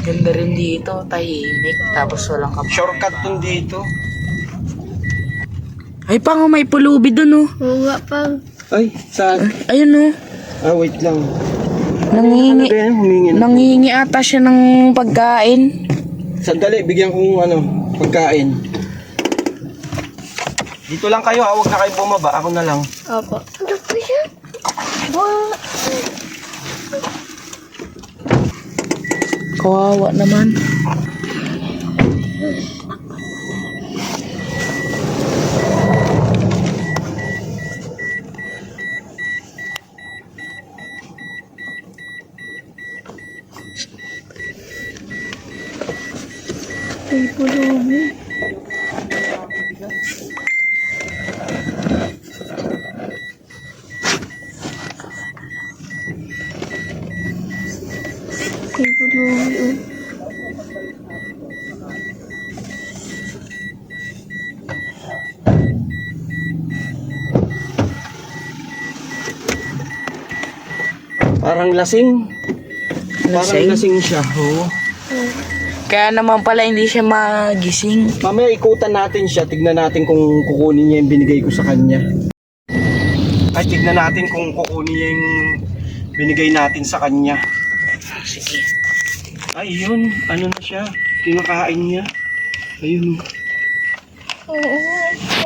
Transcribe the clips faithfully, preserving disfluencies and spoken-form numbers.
Ganda rin dito, tahimik, tapos walang kapatid. Shortcut dun dito. Ay, pango may pulubi dun, oh. Oo nga pa. Ay, saan? Ayun, oh. Ah, wait lang. Nangingi, Ano ba yan? Humingi na. nangingi ata siya ng pagkain. Sandali, bigyan kong ano, pagkain. Dito lang kayo ha, huwag na kayo bumaba. Ako na lang. Opo. Ano po siya? Wala. Kawawa naman. Ay, pulubi. Ay, pulubi, oh. Parang lasing. Parang Lasing? lasing siya. Oo. Kaya naman pala hindi siya magising. Mamaya ikutan natin siya. Tignan natin kung kukunin niya yung binigay ko sa kanya. Ay, tignan natin kung kukunin niya yung binigay natin sa kanya. Sige. Ay, yun. Ano na siya? Kinakain niya. Ayun. Oo nga.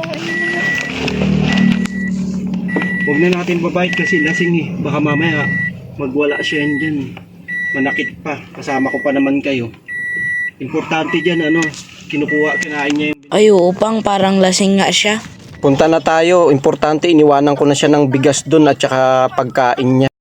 Huwag na natin babait kasi lasing eh. Baka mamaya magwala siya yan dyan. Manakit pa. Kasama ko pa naman kayo. Importante dyan ano. Kinukuha, kinain niya yung... Ay, oo, pang parang lasing nga siya. Punta na tayo. Importante, iniwanan ko na siya ng bigas dun at saka pagkain niya.